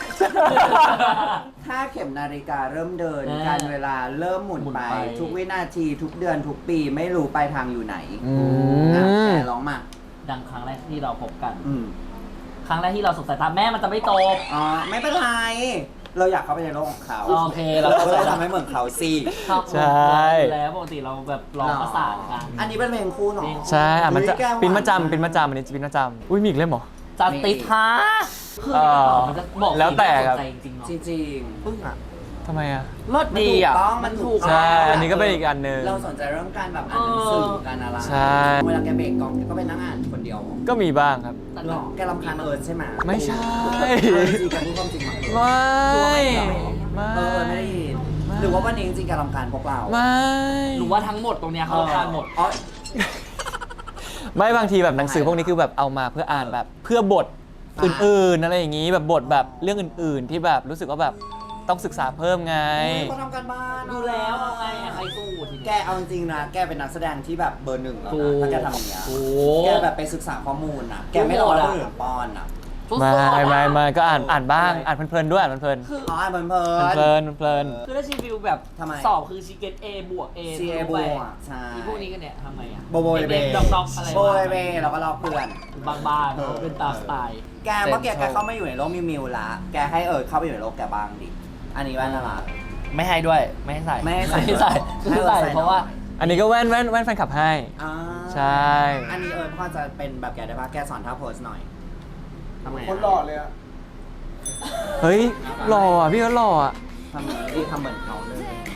Speaker 1: ถ้าเข็มนาฬิกาเริ่มเดิน
Speaker 2: อ่า
Speaker 1: การเวลาเริ่มหมุน
Speaker 2: หมุน
Speaker 1: ไป
Speaker 2: ไป
Speaker 1: ทุกวินาทีทุกเดือนทุกปีไม่รู้ปลายทางอยู่ไหน
Speaker 5: อื
Speaker 1: อ่ะ
Speaker 5: ม
Speaker 1: แต่ร้องมา
Speaker 2: ดังครั้งแรกที่เราพบกัน
Speaker 1: อืม
Speaker 2: ครั้งแรกที่เราสบสายตาแม่มันจะไม่โต
Speaker 1: อ๋อไม่เป็นไร เราอยากเข้าไปในโลกของเขา
Speaker 2: โอเคเรา
Speaker 1: เรา
Speaker 2: ก็
Speaker 1: ก็
Speaker 2: เล
Speaker 1: เลย ยทำให้เหมือนเขาสิ
Speaker 2: ชอบ
Speaker 5: ใช่
Speaker 2: แล้วปกติเราแบบร้องประสานกัน
Speaker 1: อันนี้เป็นเพลงคู่เนาะ
Speaker 5: ใช่อ่ะมันจะ
Speaker 1: เฮ้ยแกหวา
Speaker 5: ปินประจำปินประจำอันนี้จะปินประจำอุ้ยมีอีกเล่มเหรอ
Speaker 2: จัสติสฮะคือมันจะบอก
Speaker 5: แล้วแต่ครับ
Speaker 2: ใจจริงๆเนาะ
Speaker 1: จริง
Speaker 2: ปึ้งอ่ะ
Speaker 5: ทำไมอ่ะ
Speaker 2: รสดีอ่ะ
Speaker 1: มันถูก
Speaker 5: ใช่ อันนี้ก็เป็นอีกอันหนึ่ง
Speaker 1: เราสนใจเรื่องการแบบอ่านหนังสือการอะไร
Speaker 5: ใช่
Speaker 1: เวลาแกเบรกกองแกก็ไปนั่งอ่านคนเดียว
Speaker 5: ก็มีบ้างครับ
Speaker 1: หรอแกรำคาญเอิร์ธใช่ไหม
Speaker 5: ไม่ใช่
Speaker 1: จริงๆแกพูดความจริงมา
Speaker 5: ไม่ ไม่
Speaker 1: ไม่ได้ยินหรือว่าวันนี้จริงๆแกรำคาญพวกเรา
Speaker 5: ไม่
Speaker 2: หนูว่าทั้งหมดตรงเนี้ยเขาทานหมด
Speaker 1: อ๋อ
Speaker 5: ไม่บางทีแบบหนังสือพวกนี้คือแบบเอามาเพื่ออ่านแบบเพื่อบทอื่นๆอะไรอย่างนี้แบบบทแบบเรื่องอื่นๆ ที่แบบรู้สึกว่าแบบต้องศึกษาเพิ่มไง
Speaker 1: เขาทำการบ้าน
Speaker 2: ดูแล้วเอาไงอะใครสู้ที
Speaker 1: แก
Speaker 2: เนี้ย
Speaker 1: เอาจริงๆนะ แกเป็นนักแสดงที่แบบเบอร์หนึ่งแล้ว
Speaker 2: ถู
Speaker 1: นะ
Speaker 2: ก
Speaker 1: ถ้าแกทำอย่างเงี้ย
Speaker 2: โอ้
Speaker 1: แกแบบไปศึกษาข้อมูลนะแกไม่รอคนอื่นป้อนอ่ะ
Speaker 5: ไม่ก็อ่านบ้างอ่านเพลินๆด้วยอ่านเพลิน
Speaker 1: อ๋ออ่านเพลิ
Speaker 5: ๆ
Speaker 1: น
Speaker 5: เพลิน
Speaker 2: คือถ้าชีวิวแบบ
Speaker 1: ทำไม
Speaker 2: สอบคือชีเกต A บวก A
Speaker 1: ซีเอบวกใช่
Speaker 2: ที่พวกนี้กันเนี่ยทำไงอะ
Speaker 1: โบโบยเบ
Speaker 2: เด็กๆดอกๆอะไร
Speaker 1: โบยเบแล้วก็รอเพื่อน
Speaker 2: บ้านๆเป็นตามสไตล์
Speaker 1: แกเมื่อกี้แกเข้ามาอยู่ในโลกมิวๆละแกให้เข้าไปอยู่ในโลกแกบ้างดิ อันนี้ว่าน่ารัก
Speaker 2: ไม่ให้ด้วยไม่ให้ใส่
Speaker 1: ไม่ให้ใส่
Speaker 2: ไม่ใส่
Speaker 1: ให้
Speaker 2: ไม่ใส่
Speaker 1: ใส่
Speaker 2: เพราะว่า
Speaker 5: ๆอันนี้ก็แว่นแฟนคลับให้
Speaker 1: อ่า
Speaker 5: ใช่
Speaker 1: อันนี้พ่อจะเป็นแบบแกได้ปะแกสอนท่าโพสหน่อยทำไง
Speaker 7: คนหล่อเลยอะ
Speaker 5: เฮ้ยหล่ออ่ะพี่ก็หล่ออ่ะ
Speaker 1: ทำอย่างนี้ดิทำเหมือนเขาเลย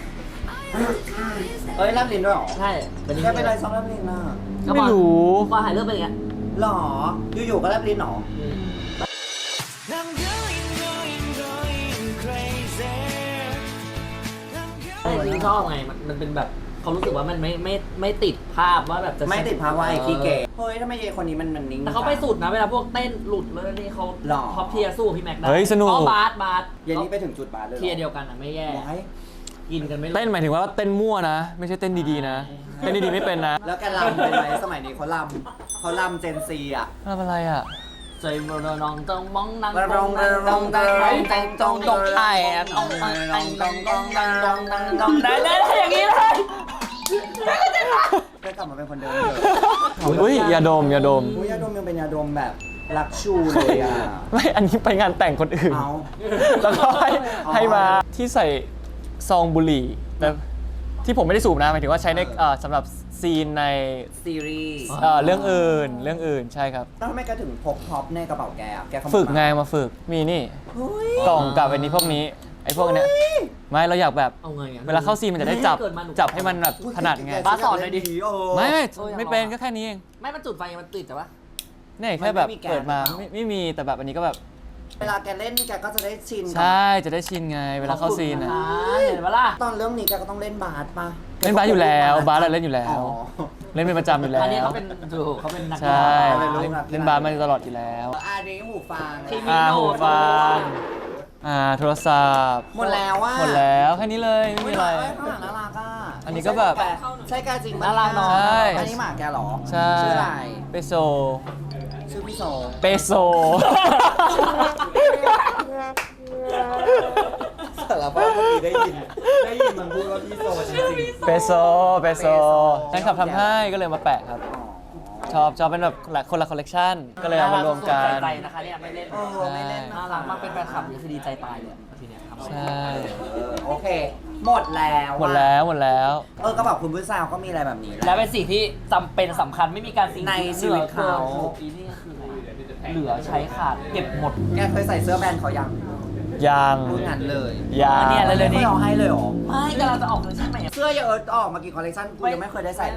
Speaker 1: เอ้ยแลบลิ้นด้วยเหรอ
Speaker 2: ใช่เป็น
Speaker 1: แกเป็นอะไรชอบแลบลิ้นน่ะ
Speaker 5: ไม่รู้
Speaker 2: พอหายเรื่องเป็นอย่างเงี้ย
Speaker 1: หรอ อยู่ๆก็แลบลิ้นเหรอ
Speaker 2: แต่ที่ชอบไงมันเป็นแบบเขารู้สึกว่ามันไม่ติดภาพว่าแบบจะ
Speaker 1: ไม่ติดภาวะไอ้ขี้เก๋เฮ้ยทำไมเยคนนี้มันนิ่ง
Speaker 2: แต่เขาไปสุดนะเวลาพวกเต้นหลุดเลยนี่เขา
Speaker 1: หรอ
Speaker 2: ท็อปเทียร์สู้พี่แม็กได้
Speaker 5: เฮ้ยสนุก
Speaker 2: อ๋อบาส
Speaker 1: เย็นนี้ไปถึงจุดบาร์เลยหรอ
Speaker 2: เทียร์เดียวกันอ่ะไม่แย่
Speaker 1: ว้าย
Speaker 2: กินกันไม่ลง
Speaker 5: เต้นหมายถึงว่าเต้นมั่วนะ ไม่ใช่เต้นดีๆนะ เต้นดีๆไม่เป็นนะ
Speaker 1: แล้วแกลำเป็นไหมสมัยนี้เขาลำเจนซีอ่ะ
Speaker 5: ทำอะไรอ่ะ
Speaker 2: ใจมันนองต้องมองนัง
Speaker 1: ระรองระรองระรองตองตองตอง
Speaker 2: ไอ้ตองตองตองตองตองตองตองตองได้อย่างนี้เลย
Speaker 1: แกกลับมาเป็นคนเดิมเลย
Speaker 5: อุ้ยยาดม
Speaker 1: ยาดมยังเป็นยาดมแบบรักชูเลยอ่ะ
Speaker 5: ไม่ อันนี้ไปงานแต่งคนอื่น
Speaker 1: เอา
Speaker 5: แล้วก็ให้
Speaker 1: อ๋อ
Speaker 5: ให้มาที่ใส่ซองบุหรี่แต่ที่ผมไม่ได้สูบนะหมายถึงว่าใช้ในสำหรับซีนใน
Speaker 1: ซีรีส์
Speaker 5: เรื่องอื่นใช่ครับ
Speaker 1: แล้วทำไมแกถึงพกท็อปในกระเป๋าแกอ่ะแกขโมย
Speaker 5: ฝึกไงมาฝึกมีนี่
Speaker 1: เฮ้ย
Speaker 5: กล่องกับอันนี้พวกนี้ไอ้พวกเนี้ยไม่เราอยากแบบ
Speaker 2: เอาไงอะ
Speaker 5: เวลาเข้าซีนมันจะได้จับให้มันแบบถนัดไง
Speaker 2: บ้าสอนหน่อยดิ
Speaker 5: ไม่เป็นก็แค่นี้เอง
Speaker 2: ไม่มันจุดไฟมันติดแต่ว่า
Speaker 5: เนี่ยแค่แบบเปิดมาไม่มีแต่แบบอันนี้ก็แบบ
Speaker 1: เวลาแกเล่นแกก็จะได้ชินกับ
Speaker 5: ใช่จะได้ชินไงเวลาเข้าซีน
Speaker 2: อ่า
Speaker 5: อ่ะ
Speaker 2: เห็นปะล่ะ
Speaker 1: ตอนเรื่องนี้แกก็ต้องเล่นบาสป่ะ
Speaker 5: เล่นบาสอยู่แล้วบาสเราเล่นอยู่แล้
Speaker 1: อ๋
Speaker 5: ว
Speaker 1: อ
Speaker 5: เล่นเป็นประจำอยู่แล้ว
Speaker 2: อันนี้เขาเป็นเขาเป็นนัก
Speaker 5: ใช่
Speaker 1: เป็นลูกนักกีฬา
Speaker 5: เล่นบาสมาตลอดอยู่แล้ว
Speaker 1: อันนี้หูฟัง
Speaker 2: ที่มี
Speaker 5: หูฟังโทรศัพท์
Speaker 1: หมดแล้วอ่ะ
Speaker 5: หมดแล้วแค่นี้เลยไม่มีอะไร
Speaker 1: ข้างหลังน่ารักอ่ะ
Speaker 5: อันนี้ก็แบบ
Speaker 1: ใช่แกจริงปะ
Speaker 2: น่ารักเนาะ
Speaker 5: ใช่
Speaker 1: อันนี้หมาแกเหรอ
Speaker 5: ใช่
Speaker 1: ชื่ออะไร
Speaker 5: เปโซ
Speaker 1: ชื่อพี่โซ
Speaker 5: เปโซ
Speaker 1: สารภาพเมื่อกี้ได้ยินมันพูดว่าพี่โซจริง
Speaker 5: เปโซแฟนคลับทำให้ก็เลยมาแปะครับ ชอบเป็นแบบคนละคอลเลกชันก็เลยเอามารวมกัน
Speaker 2: ใจนะคะเนี่ยไม่เล่น
Speaker 1: ไม่เล่น
Speaker 2: น่ารักมากเป็นแฟนคลับนี่คือดีใจตายเลยทีเนี้ยครับ
Speaker 5: ใช่
Speaker 1: โอเค หมดแล้ว
Speaker 5: หมดแล้ว
Speaker 1: ก็แบบคุณผู้สาวก็มีอะไรแบบนี้แห
Speaker 2: และ
Speaker 1: ละ
Speaker 2: เป็นสิ่งที่จำเป็นสำคัญไม่มีการสิ่ง
Speaker 1: ในชีวิตเขา
Speaker 2: ปีนี้ก็คือเหลือใช้ขาดเก็บหมด
Speaker 1: แกเคยใส่เสื้อแบรนด์เขายัง
Speaker 5: ยัง
Speaker 1: พูดงั้นเลย
Speaker 5: ยัง
Speaker 2: เนี่ยเร็วๆนี้
Speaker 1: ไม่เอาให้เลยเหรอ
Speaker 2: ไม่กำลังจะออกเลยใช่ไหม
Speaker 1: เสื้อเยอะออกมากี่คอลเลคชันกูยังไม่เคยได้ใส่เลย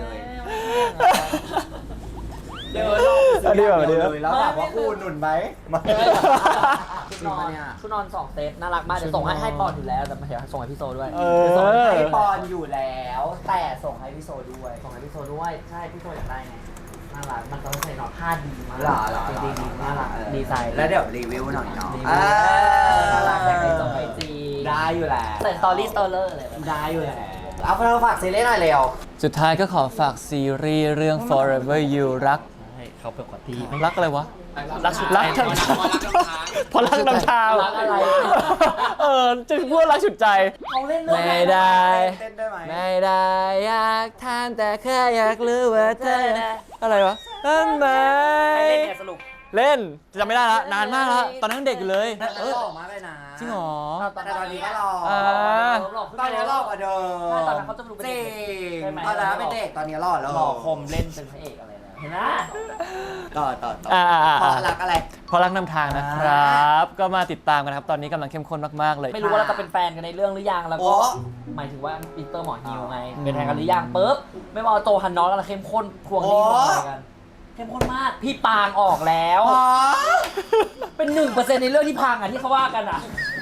Speaker 1: เดี๋ยวลองซื้ออย่างเดียวเลยแล้วถามว่ากูหนุนไหมไม่
Speaker 2: ชุดนอนชุดนอน2 เซตน่ารักมากเดี๋ยวส่งให้ปอนอยู่แล้วแต่เดี๋ยวส่งให้พี่โซด้วย
Speaker 5: เอ
Speaker 1: เดี๋ยวส่ง
Speaker 5: อ
Speaker 1: ให้ปอนอยู่แล้ว แต่ส่งให้พี่โซด้วย
Speaker 2: ส่งให้พี่โซด้วยใช่พี่โซอยากได้ไงน่ารักมันต้องใส่หนอนผ้าดีมาก
Speaker 1: หล่อ
Speaker 2: จริงๆน่ารักดีไซน์
Speaker 1: แล้วเดี๋ยวรีวิวหน่อยเนาะ
Speaker 2: น่ารักแต่ใครส่งไปจี
Speaker 1: ได้อยู่แล้ว
Speaker 2: ใส่สตอรี่สตอเลอร์เลย
Speaker 1: ได้อยู่แล้วเอาเพื่อนฝากซีรีส์หน่อยเร็ว
Speaker 5: สุดท้ายก็ขอฝากซีรีส์เรื่อง Forever You รัก
Speaker 2: ให้เขาเป็นคนที่
Speaker 5: รักอะไรวะ
Speaker 2: รักสุด
Speaker 5: รักทั้งเพราะรักน้ำทาง
Speaker 2: รักอะไร
Speaker 5: จะพูดรักสุดใจ
Speaker 2: เขาเล่นเรื่อง
Speaker 5: ไม่ได้
Speaker 1: เต้นได้ไหม
Speaker 5: ไม่ได้อยากทานแต่แค่อยากรู้ว่าเธออะไรวะทำไม
Speaker 2: ใครเล่นเนี่ยสรุป
Speaker 5: เล่นจำไม่ได้ละนานมากแล้วตอนนั้นเด็กอยู่เลย
Speaker 1: แล้วหล่อมากเลยนะ
Speaker 5: จริงเหรอ
Speaker 1: แต่ตอนนี้ก็หล่อ
Speaker 5: อ่า
Speaker 1: ตอนนี้หล่อกว่าเดิม
Speaker 2: ใช่ตอนนั้นเขาจะดูเป็น
Speaker 1: จริ
Speaker 2: เด็ก
Speaker 1: ง
Speaker 2: ใช่ไหม
Speaker 1: ตอนนั้นเป็นเด็กตอนนี้หล่อแล้ว
Speaker 2: หล่อคมเล่นเป็นพระเอกอะไรนะเห็นไหม
Speaker 1: ต่อ
Speaker 5: อ่า
Speaker 1: เพราะรักอะไร
Speaker 5: เพราะรักนำทางนะครับ ก็มาติดตามกันนะครับ ตอนนี้กำลังเข้มข้นมากๆเลย
Speaker 2: ไม่รู้ว่าเราจะเป็นแฟนกันในเรื่องหรือยังแล้วก็
Speaker 1: โอ้
Speaker 2: หมายถึงว่าปีเตอร์หมอฮิวไงเป็นแฟนกันหรือยังปุ๊บไม่ว่าโจฮันนอสกำลังเข้มข้นทวงหนี้ทวงอะไรกันเข้มข้นมากพี่ปางออกแล้ว
Speaker 1: อ๋อ
Speaker 2: เป็น 1% ในเรื่องที่พังอ่ะที่เขาว่ากันอ่ะ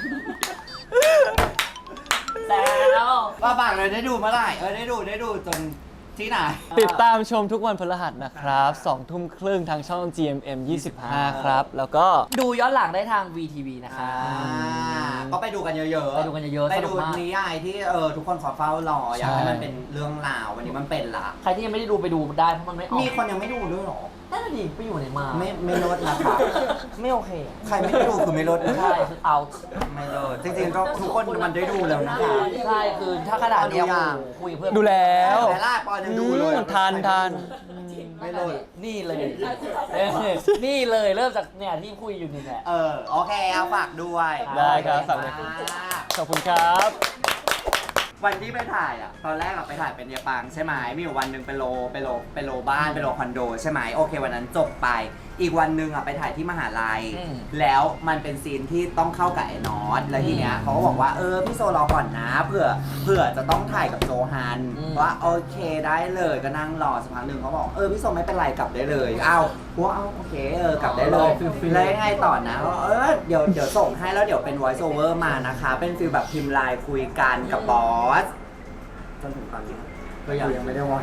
Speaker 2: แล้ว
Speaker 1: ว่าบางเลยได้ดูเมื่อไหร่ได้ดูจนที่ไหน
Speaker 5: ติดตามชมทุกวันพฤหัสนะครับ2 ทุ่มครึ่งทางช่อง GMM 25 ครับ แล้วก็
Speaker 2: ดูย้อนหลังได้ทาง VTV นะคะ
Speaker 1: ก็ไปดูกันเยอะๆ
Speaker 2: ไปดูกันเยอะๆ
Speaker 1: ไป
Speaker 2: สนุ
Speaker 1: ดู
Speaker 2: กมาก
Speaker 1: นิยายที่ทุกคนขอเฝ้ารออยากให้มันเป็นเรื่องราววันนี้มันเป็นละ
Speaker 2: ใครที่ยังไม่ได้ดูไปดูได้เพราะมันไม่ออก
Speaker 1: มีคนยังไม่ดูด้วยเหรอ
Speaker 2: นั่นนะดิไปอยู่ไหนมา
Speaker 1: ไม่ลดนะคะ
Speaker 2: ไม่โอเค
Speaker 1: ใครไม่ได้ดูคือไม่ลดนะ
Speaker 2: ใช่คือเอา
Speaker 1: ไม่ลดจริงๆก็ทุกคนมันได้ดูแล้วนะคะ
Speaker 2: ใช่คือถ้าขนาดเนี้ย
Speaker 1: ดูยัง
Speaker 2: โอ้โหคุยกับเพื่อน
Speaker 5: ดูแล้ว
Speaker 1: แต่ล่าปอนยังดูเลย
Speaker 5: ทัน
Speaker 2: ไม่เลยนี่เลยนี่เลยเริ่มจากเนี่ยที่คุยอยู่นี่แหละ
Speaker 1: โอเคเอาฝากด้วย
Speaker 5: ได้ครับฝากด้วย ขอบคุณครับ
Speaker 1: วันที่ไปถ่ายอ่ะตอนแรกเราไปถ่ายเป็นเยปังใช่ไหมมีอยู่วันหนึ่งไปโลบ้านไปโลคอนโดใช่ไหมโอเควันนั้นจบไป อีกวันหนึ่งอ่ะไปถ่ายที่มหาลัย แล้วมันเป็นซีนที่ต้องเข้ากับไอ้นอตแล้วทีเนี้ยเขาก็บอกว่าพี่โซรอก่อนนะเผื่อจะต้องถ่ายกับโจฮันว่าโอเคได้เลยก็นั่งรอสักพักหนึ่งเขาบอกพี่โซไม่เป็นไรกลับได้เลยโอเคกลับได้เลยแล้วยังไงต่อนะเดี๋ยวส่งให้แล้วเดี๋ยวเป็น voice over มานะคะเป็นฟีลแบบพิมพ์ไลน์คุยกันกับบอสจนถึงตอนนี้ก็ยังไม่ได้วอย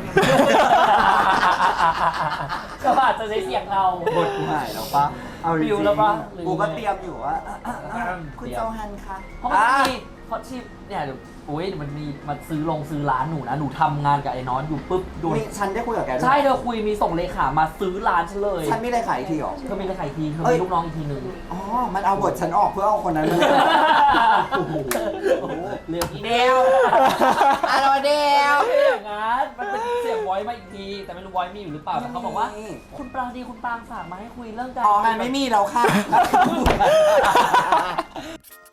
Speaker 2: ก็อาจจะได้เสียงเรา
Speaker 1: บทกูหายแล้วปะเอาจริง
Speaker 2: ฟิวแล้วปะ
Speaker 1: กูก็เตรียมอยู่ว่าคุณโจฮันคะ
Speaker 2: เพราะมันมีเขาชีพเนี่ยเดี๋ยวโอ้ยมันมีมาซื้อร้านหนูนะหนูทำงานกับไอ้น้อนอยู่ปุ๊บโดน
Speaker 1: ฉันได้คุยกับแกด้วย
Speaker 2: ใช่เธอคุยมีส่งเลขามาซื้อร้านฉันเลย
Speaker 1: ฉันไม่ได้ขายอีกทีหรอ
Speaker 2: เธอมีเลขาอีกทีเธอ
Speaker 1: เอ้
Speaker 2: มี
Speaker 1: ย
Speaker 2: ลูกน้องอีกทีหนึ่ง
Speaker 1: อ๋อ มันเอาบทฉันออกเพื่อเอาคนนั้นมาโอ้โห
Speaker 2: เรื่องอี
Speaker 1: เดียวอะไรเดียว
Speaker 2: ไม่อย่างนั้นมันเป็นเสียงไวอยมาอีกทีแต่ไม่รู้ไวอยมีอยู่หรือเปล่าแต่เขาบอกว่า คุณปรางดีคุณปรางฝากมาให้คุยเรื่องการ
Speaker 1: อ๋อ มันไม่มีแล้วค่ะ